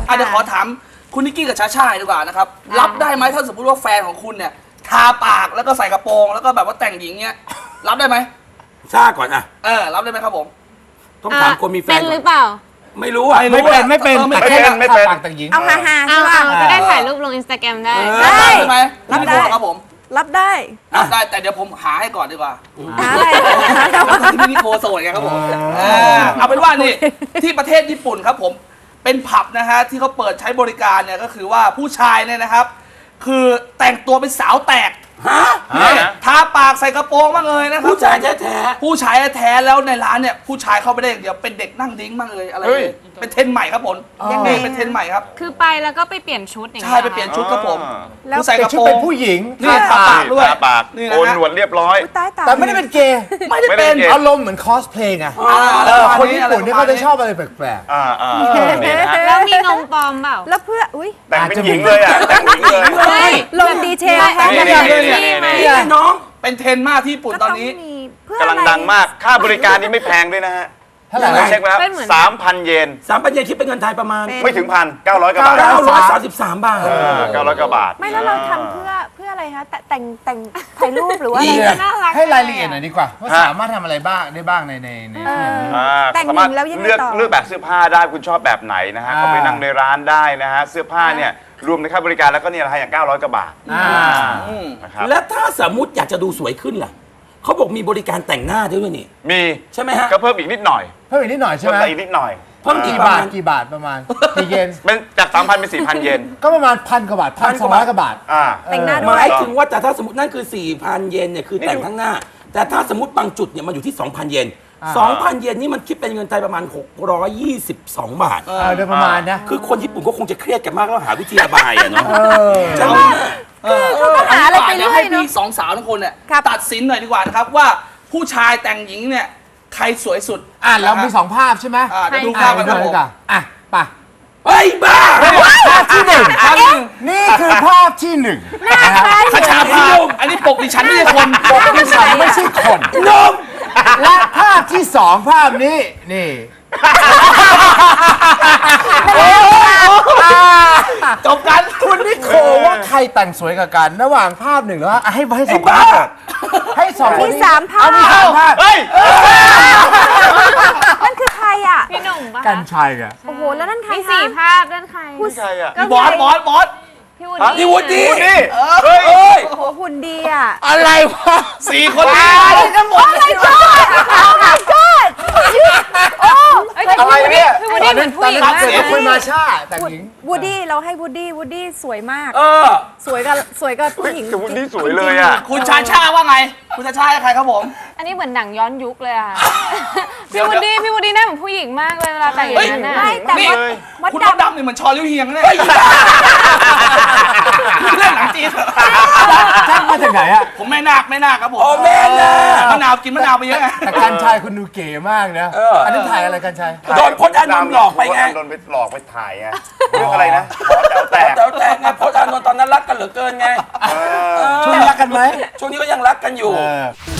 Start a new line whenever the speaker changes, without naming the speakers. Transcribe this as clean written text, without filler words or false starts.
เดี๋ยวขอถามคุณนิกกี้กับชาชาดีกว่านะครับรับได้ไหมถ้าสมมติว่าแฟนของคุณเนี่ยทาปากแล้วก็ใส่กระโปรงแล้วก็แบบว่าแต่งหญิงเงี้ยรับได้ไหม
ชาก่อนอ่ะ
รับได้ไหมครับผม
ต้องถามคนมีแฟน
เป็นหรือเปล่า
ไม่รู้อ่ะ
ไม่เป็นแต่แค่ปากแต่งหญิง
เอาฮาใช่ป่ะ
จะได้ถ่ายรูปลงอินสตาแกรมได้
ไหมรับได้ครับผม
รับได้
แต่เดี๋ยวผมหาให้ก่อนดีกว่า
หาอะไร
นี่โคโซนไงครับผมเอาเป็นว่านี่ที่ประเทศญี่ปุ่นครับผมเป็นผับนะฮะที่เขาเปิดใช้บริการเนี่ยก็คือว่าผู้ชายเนี่ยนะครับคือแต่งตัวเป็นสาวแตกทาปากใส่กระโปรงบ้างเลยนะครับ
ผู้ชายแท้
ผู้ชายแท้แล้วในร้านเนี่ยผู้ชายเข้าไปได้อย่างเดียวเป็นเด็กนั่งดิ้งบ้างเลยอะไรเป็นเทรนใหม่ครับผมยังไงเป็นเทรนใหม่ครับ
คือไปแล้วก็ไปเปลี่ยนชุดอย่างเงี้ย
ใช่ไปเปลี่ยนชุดครับผม
แล้ว
ใส่กระโปรงเป็นผู้หญิง
นี่ทาปากด้วย
ปากโกนหนวดเรียบร้อย
แต่ไม่ได้เป็นเกย์
ไม่ได้เป็น
อารมณ์เหมือนคอสเพลย์ไงคนญี่ปุ่นนี่เขาจะชอบอะไรแปลก
ๆแล้วมีนมปลอมเปล่า
แล้วเพื่อ
แต่งเป็นหญิงเลยอ่ะแต่งหญิงเลย
ลงดีเทลค่ะ
นี่น้องเป็นเทรนมากที่ญี่ปุ่นตอนนี้
กำลังดังมากค่าบริการนี่ไม่แพงด้วยนะฮะ
เท่าไหร่
เช็คแล้ว3,000 เยน
3,000 เยนคิดเป็นเงินไทยประมาณ
ไม่ถึง1,000 900 กว่าบาท
933 บาท
900 กว่าบาท
ไม่แล้วเราทำเพื่ออะไรคะแต่งถ่ายรูปหรือว่า
ให้รายละเอียดหน่อยดีกว่าว่าสามารถทำอะไรบ้างได้บ้างใน
แต่งหญิงแล้วยังไงต่อ
เลือกแบบเสื้อผ้าได้คุณชอบแบบไหนนะฮะเขาไปนั่งในร้านได้นะฮะเสื้อผ้าเนี่ยรวมในค่าบริการแล้วก็เนี่ยนะฮะอย่าง900 กว่าบาท
นะครับแล้วถ้าสมมติอยากจะดูสวยขึ้นล่ะเขาบอกมีบริการแต่งหน้าด้วยนี่
มี
ใช่ไหมฮะ
ก็เพิ่มอีกนิดหน่อย
เพิ่มอีกนิดหน่อยใช่ไหม
อีกนิดหน่อย
เพิ่ม
กี่บาทประมาณกี่เยน
เป็นจาก 3,000 เป็น 4,000 เยน
ก็ประมาณ1,000 กว่าบาท1,200 กว่าบาท
แต่งหน้าด้วย
หมายถึงว่าแต่ถ้าสมมตินั่นคือ 4,000 เยนเนี่ยคือแต่งข้างหน้าแต่ถ้าสมมติบางจุดเนี่ยมันอยู่ที่ 2,000 เยน 2,000 เยนนี่มันคิดเป็นเงินไทยประมาณ622 บาท
โดยประมาณนะ
คือคนญี่ปุ่นก็คงจะเครียดกันมากแล้วหาวิธีระบายอะเนาะใช่ไหม
เขาก็หาอะไรไปเรื่อย
ให้พี่สองสาวทุกคนเนี่ยตัดสินหน่อยดีกว่านะครับว่าผู้ชายแต่งหญิงเนี่ยใครสวยสุด
เรามี2 ภาพใช่ไหม
เดี๋ยวดูภาพกัน
ดีกว่าไป
เฮ้ยบ้า
ภาพที่1นี่คือภาพที่1
ขชาภาพอันนี้ปกดิฉันไม่ใช่คน
ปกดิฉันไม่ใช่คน
นม
และภาพที่2ภาพนี้นี่
จบกัน
คุณนิโคว่าใครแต่งสวยกว่ากันระหว่างภาพ1แล้วให้2ภาพให้2
มี3 ภาพ
เฮ้ย
นั่นคือใครอ่ะ
พี่หนุ่มปะ
กันชัยอ่ะ
โอ้โหแล้วนั่นใคร
มี4 ภาพนั่นใคร
ผู้ชายอ่ะ
บอส
พี่วูดดี้
เฮ้ย
โอ้โหหุ่นดีอ่ะ
อะไรวะ
4 คน
นี้กันหมดเลย
อะไรเนี่ย
พี่วูดดี้เหมือนผู้หญิงมาก
คุณมาชาแต่งหญิง
วูดดี้เราให้วูดดี้สวยมากสวยกับผู้หญิง
วูดดี้สวยเลยอ่ะ
คุณชาชาว่าไงคุณชาชาใครครับผม
อันนี้เหมือนหนังย้อนยุคเลยค่ะพี่วูดดี้หน้าเหมือนผู้หญิงมากเลยเวลาแต่งอย่างนั้น
ไม่แต่
คุณดำนี่เหมือนชอลิ้วเฮียงเลยเล่นหนังจีน
ช่างมาจากไหนอ่ะ
ผมแม่นาคครับผม
แม่นาค
มะนาวกินมะนาวไปเยอะไง
แต่กันชัยคุณดูเก๋มากนะอันนี้ถ่ายอะไรกันชัย
โดนพจน์อานนท์หลอกไปไง
โดนไปหลอกไปถ่ายไงเรื่องอะไรนะขอแถวแตก
ไงพจน์อานนท์ตอนนั้นรักกันเหลือเกินไง
ช่วงนี้รักกันไหม
ช่วงนี้ก็ยังรักกันอยู่